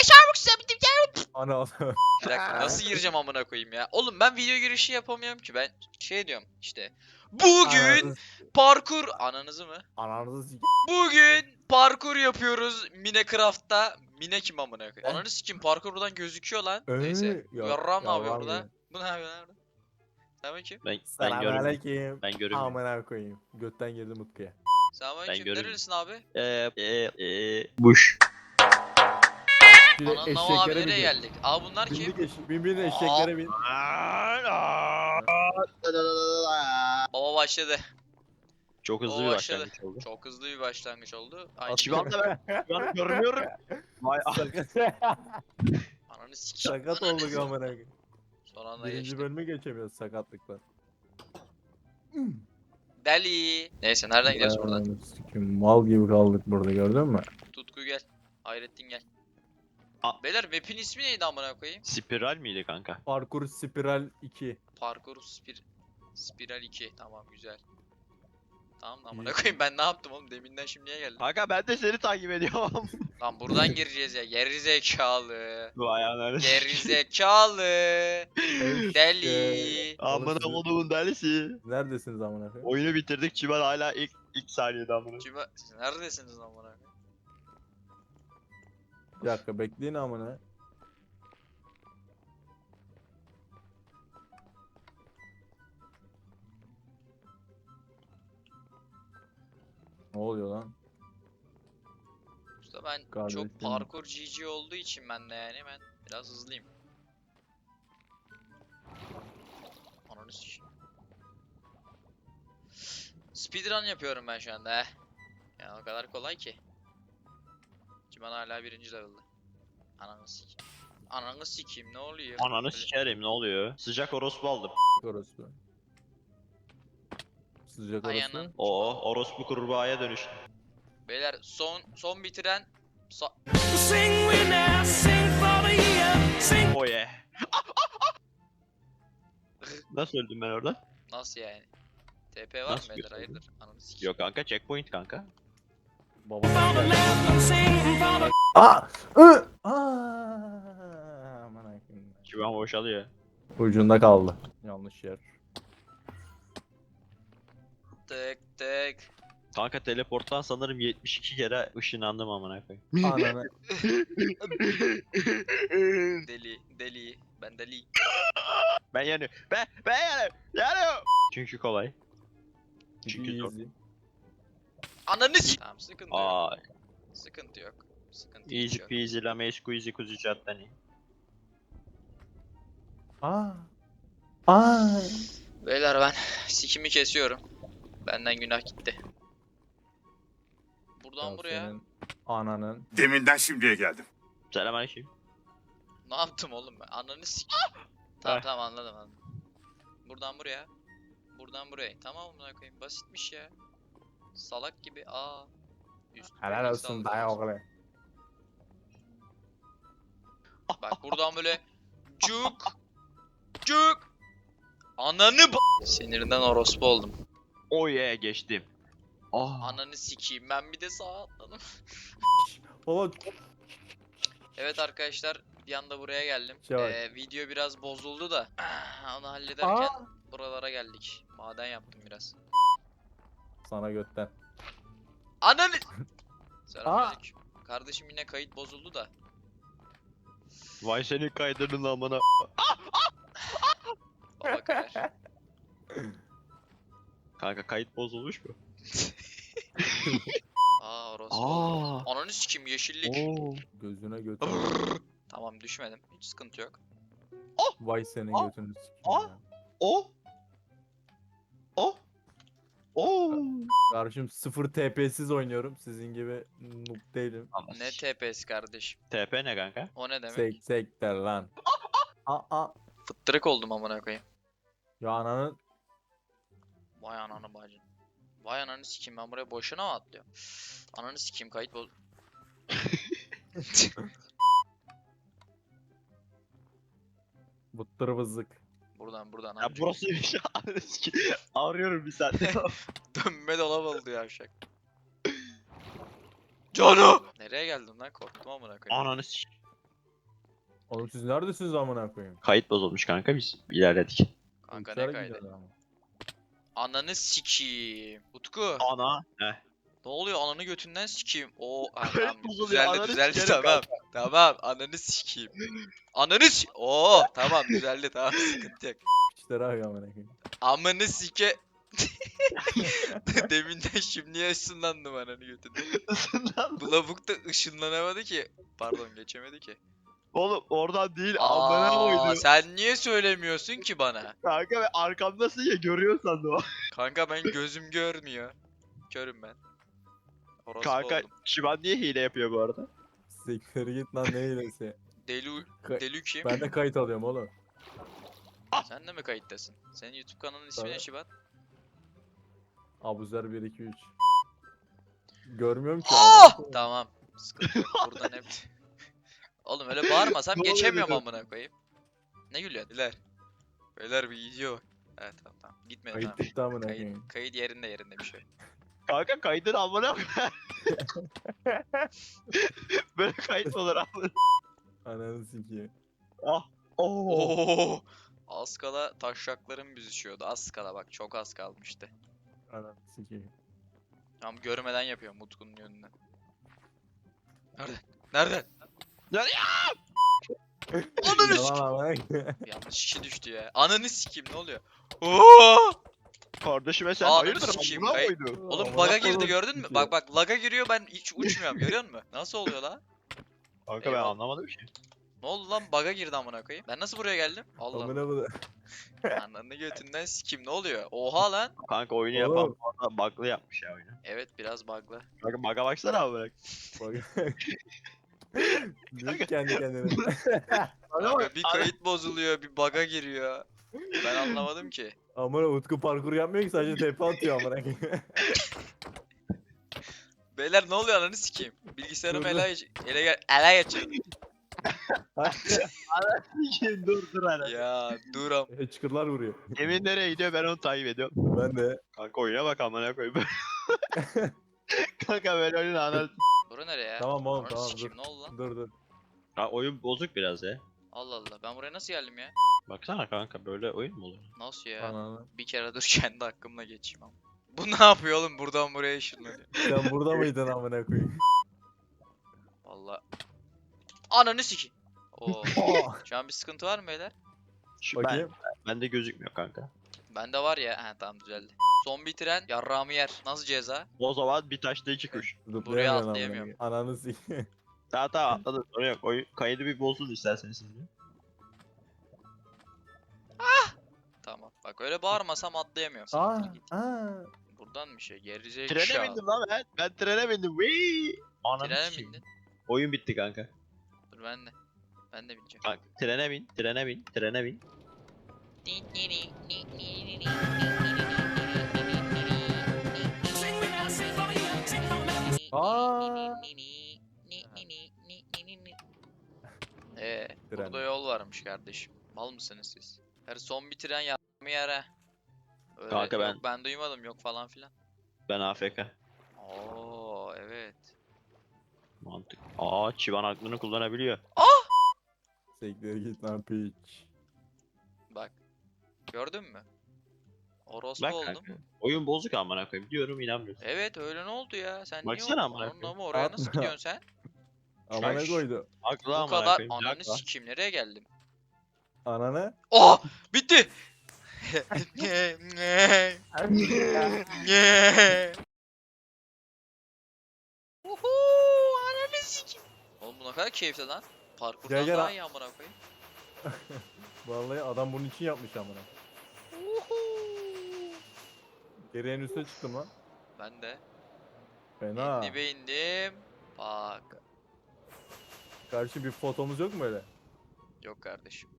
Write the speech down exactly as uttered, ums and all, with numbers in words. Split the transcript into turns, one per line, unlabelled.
çabuk sabittim çabuk.
Ana ana.
Bir dakika nasıl gireceğim amına koyayım ya? Oğlum ben video girişi yapamıyorum ki ben şey diyorum işte. Bugün
Ananızı,
parkur ananızı mı?
ananızı sik.
Bugün parkur yapıyoruz Minecraft'ta. Mine kim amına koyayım?
Eh?
Ananı sikim parkur buradan gözüküyor lan.
Ee,
Neyse. Bu
ya-
yarram ne yapıyor
yarram
burada?
ya.
Bu ne yapıyor lan burada? Selamünaleyküm.
Ben ben
Selamun
görmüyorum.
aleyküm.
Ben görmüyorum.
Amına koyayım. Götten girdim Utku'ya.
Selamünaleyküm.
görüyorum.
Nerelisin abi?
Eee eee buş.
Şimdi
Anan Nava abi
eşeklere
nereye
bin.
geldik? Aa bunlar kim?
Bindik eş bin bin eşeklere bin.
Baba başladı.
Çok hızlı
O
bir
başladı.
başlangıç oldu.
Çok hızlı bir başlangıç oldu. Ay,
Şivan da ben. Ben görmüyorum. Vay
ananı sikim.
Sakat
Ananı
olduk
sikim.
amına koyayım.
Son anda
Birinci
geçti.
bölümü geçemiyoruz sakatlıkla.
Deli. Neyse nereden gidiyoruz buradan?
Ananı sikeyim, mal gibi kaldık burada gördün mü?
Tutku gel. Hayrettin gel.
Aa.
Beyler map'in ismi neydi amına koyayım?
Spiral miydi kanka?
Parkur Spiral iki.
Parkur spir Spiral iki. Tamam güzel. Tamam da amına
İyi.
koyayım ben ne yaptım oğlum deminden şimdiye geldim.
Kanka ben de seni takip ediyorum.
Lan buradan gireceğiz ya. Geri zekalı.
Vay ananı.
Geri zekalı. Deli.
Eee,
Amına
Orası-
kodumun delisi.
Neredesiniz amına koyayım?
Oyunu bitirdik. Çimen hala ilk ilk saniyede amına.
Kime? Siz neredesiniz amına koyayım?
Bir dakika bekleyin amına. Ne oluyor lan?
Usta ben
Kardeşim.
çok parkur G G olduğu için ben de yani ben biraz hızlıyım. Ananı sikeyim. Speedrun yapıyorum ben şu anda he. Ya o kadar kolay ki. Ciman hala birinci level'da. Ananı sikeyim. Ananı sikeyim ne oluyor?
Ananı
Böyle-
sikerim ne oluyor? Sıcak orospu aldım.
Orospu. Sıcak
Ay
orospu.
anan.
Oo orospu kurbağaya dönüştü.
Beyler son son bitiren sa-
Sing we now, sing for the year, sing.
Oh yeah. Nasıl öldüm ben orada?
nasıl yani? T P var mı
Nasıl
beyler
götürdün?
hayırdır? Ananı sikeyim.
Yok kanka checkpoint kanka.
Baba.
For the land, sing for the.
Aa! Ü! Aa! Aman akım.
Çimen boşalıyor.
Ucunda kaldı. Yanlış yer.
Tık tık.
Kanka teleporttan sanırım yetmiş iki kere ışınlandım amına koyayım.
Ananı.
Deli deli. Ben deli.
Ben yanıyorum. Ben ben yanıyorum. Yanıyorum. Çünkü kolay. Çünkü zor.
Easy.
Ananı s- Tamam sıkıntı yok.
Aa,
Sıkıntı yok. Sıkıntı
easy
yok.
peasy lemon squeezy kuzu caddani.
Aa. Aa.
Beyler ben sikimi kesiyorum. Benden günah gitti. Buradan
Ya
buraya
senin Ananın.
Deminden şimdiye geldim.
Selamünaleyküm.
ne yaptım oğlum ben? Ananı sik. tamam
Heh.
tamam anladım anladım. Buradan buraya. Buradan buraya. Tamam amına koyayım. Basitmiş ya. Salak gibi. Aa. Üstüme
Helal
nasıl
olsun
alıyoruz?
dayı oğlu.
Bak buradan böyle cuk cuk. Ananı b- Sinirinden orospu oldum.
Oh yeah geçtim. Ah.
Ananı sikeyim. Ben bir de sağa atladım.
Baba
Evet arkadaşlar bir anda buraya geldim.
Şey var.
Ee, video biraz bozuldu da onu hallederken
Aa!
buralara geldik. Maden yaptım biraz.
Sana götten.
Ananı Selamünaleyküm. Kardeşim yine kayıt bozuldu da.
Vay senin kaydının amına.
Baba kayar.
Kanka kayıt bozulmuş mu?
Aa orası oldu.
Aa.
Ananı sikeyim yeşillik.
Oo.
Gözüne götür.
Tamam düşmedim. Hiç sıkıntı yok.
Vay senin
Aa!
götünü sikeyim
Aa!
ya.
O. O. O.
Kardeşim sıfır T P'siz oynuyorum. Sizin gibi noob değilim.
Ne T P'si kardeşim?
T P ne kanka?
O ne demek?
Sek sek der lan. Aa aa.
Fıttırık oldum amına koyayım.
Ya ananın.
Vay ananı bacın. Vay ananı sikeyim ben buraya boşuna mı atlıyorum? Ananı sikeyim kayıt boz...
Bıttır vızlık.
buradan buradan
Ya
amca.
burası bir şey. Arıyorum bir saattir.
Dönme dolap oldu yavşak. Cano! Nereye geldin lan korktum amına koyayım.
Ananı s**.
Oğlum siz neredesiniz amına koyayım?
Kayıt bozulmuş kanka, biz ilerledik.
Kanka
Uçarak
ne kaydı?
gidiyorlar ama.
Ananı sikiyim. Utku.
Ana. Heh.
Ne oluyor ananı götünden sikiyim. O ha,
Kayıt
tamam
bozuluyor,
düzeldi
ananı
düzeldi
sikerim
tamam. Tamam ananı sikiyim. Ananı si Oo tamam düzeldi tamam sıkıntı yok.
Piçlere bak amına koyayım.
Amanı sike. Deminden şimdiye ışınlandım ananı götünden. Bu lavuk da ışınlanamadı ki. Pardon geçemedi ki.
Oğlum oradan değil, amına
Aa,
koydu.
sen niye söylemiyorsun ki bana?
Kanka ve arkamdasın ya, görüyor sandım o.
Kanka ben gözüm görmüyor. Körüm ben. Orospu
Kanka
oldum.
Şivan niye hile yapıyor bu arada?
Siktir git lan ne hilesi.
Delu,
Ka-
Delu kim?
Ben de kayıt alıyorum oğlum.
Sen de mi kayıttasın? Senin YouTube kanalının ismi ne
Tabii.
Şibat?
Abuzer bir iki üç. Görmüyorum ki.
Oh!
amına koyayım.
Tamam. Sıkıntı yok. Buradan hep... Oğlum öyle bağırmasam
Ne oluyor
geçemiyorum
dedim.
amına koyayım. Ne gülüyorsun? Beyler. Beyler bir gidiyor. Evet tamam tamam. Gitmiyor
Kayıt
tamam.
bitti amına
Kayıt,
koyayım.
kayıt yerinde yerinde bir şey. yok.
Kanka kaydın amına koyayım. Böyle kayıt olur amına.
Ananı sikeyim.
Ah. Oo.
Oo! Az kala taşraklarım büzüşüyordu. Az kala bak çok az kalmıştı.
Ananı sikeyim.
Tam görmeden yapıyorum Utku'nun yönünden. Nerede? Nerede?
Ya-
Ananı
Yalan
sikeyim.
amına koyayım.
Yanlış kişi düştü ya. Ananı sikeyim ne oluyor? Oo!
Kardeşime sen
Aa,
hayırdır
sikeyim,
amına
kay-
koydu.
Oğlum
Amına
bug'a girdi
koyayım
gördün mü?
sikeyim.
Bak bak lag'a giriyor ben hiç uçmuyorum görüyor musun? Nasıl oluyor lan?
Kanka ben
Eyvallah.
anlamadım ki.
Ne oldu lan bug'a girdi amına koyayım. Ben nasıl buraya geldim? Allah
Amına koyayım.
Allah. Ananı götünden sikim ne oluyor? Oha lan.
Kanka oyunu
Oğlum.
yapan bu arada bug'lı yapmış ya oyunu.
Evet biraz bug'lı.
Kanka bug'a baksana abi bırak.
Bak. Diyor kendi kendine.
Kanka bir kayıt bozuluyor bir bug'a giriyor. Ben anlamadım ki.
Amına Utku parkur yapmıyor ki sadece tepe atıyor amına koyayım.
Beyler ne oluyor ananı sikeyim. Bilgisayarımı
Dur,
ele, ele, ele, ele geçirdim.
dur dur hala.
Ya duram.
Hıçkırlar vuruyor.
Emin nereye gidiyor, ben onu takip ediyorum.
Ben de.
Kanka oyuna bak amına koyayım. Kanka ben oyunu anladım.
Bura nereye ya?
Tamam oğlum,
Ananı
tamam,
sikeyim,
dur.
ne oldu lan?
Dur dur.
Ha, oyun bozuk biraz ya.
Allah Allah ben buraya nasıl geldim ya?
Baksana kanka, böyle oyun mu olur?
Nasıl ya?
Ananı.
Bir kere dur kendi hakkımla geçeyim ama. Bu ne yapıyor oğlum buradan buraya ışınlanıyor.
Sen burada mıydın amına koyayım?
Valla. Ananı sikeyim. Oo.
Aa!
Şu an bir sıkıntı var mı beyler?
Şu ben,
Bakayım.
bende gözükmüyor kanka.
Bende var ya. He tamam düzeldi. Son bitiren yarrağımı yer. Nasıl ceza?
O zaman bir taşta iki kuş.
Zıplayamıyorum amına
atlayamıyorum.
koyayım. Ananı sikeyim.
Tamam tamam atladım, sorun yok. Oyun, kaydı bir bozsun isterseniz siz de.
Tamam. Bak öyle bağırmasam atlayamıyorum.
Aa,
Siktir git.
aa.
Buradan bir şey.
Trene
Gerizekalı.
bindim lan ben. Ben trene bindim. Wii. Ananı
Trene mi
sikeyim.
bindin?
Oyun bitti kanka.
Dur ben de. Ben de bineceğim.
Bak trene bin, trene bin, trene bin.
Sing me now, sing for you, sing for me.
Aa.
Ee,
Tren.
burada yol varmış kardeşim. Mal mısınız siz? Her son bitiren yarrağımı yere. Öyle,
Kanka ben-
Yok ben duymadım yok falan filan.
Ben A F K.
Oo evet.
Mantık. Aa, Çivan aklını kullanabiliyor.
Siktir git lan piç.
Bak. Gördün mü? Orospu
Bak
oldum.
kanka. Oyun bozuk amına koyayım diyorum, inanmıyorsun.
Evet öyle ne oldu ya? Sen
Baksana
niye
amına
o-
koyayım.
ama oraya nasıl
Atma.
gidiyorsun sen?
Amına
Şaş.
koydu.
Aklı
Bu
amına
kadar
koyayım.
ananı
Aklı.
sikeyim nereye geldim?
Ananı.
Oh! Bitti! Uhu, ananı sikeyim. Oğlum bu ne kadar keyifli lan. Parkurdan
Gel, gel
daha
ha-
iyi amına koyayım.
Vallahi adam bunun için yapmış amına.
Uhu.
Geri en üste çıktım lan.
Ben de.
Fena.
Dibe indim. Bak.
Karşı bir fotomuz yok mu öyle?
Yok kardeşim.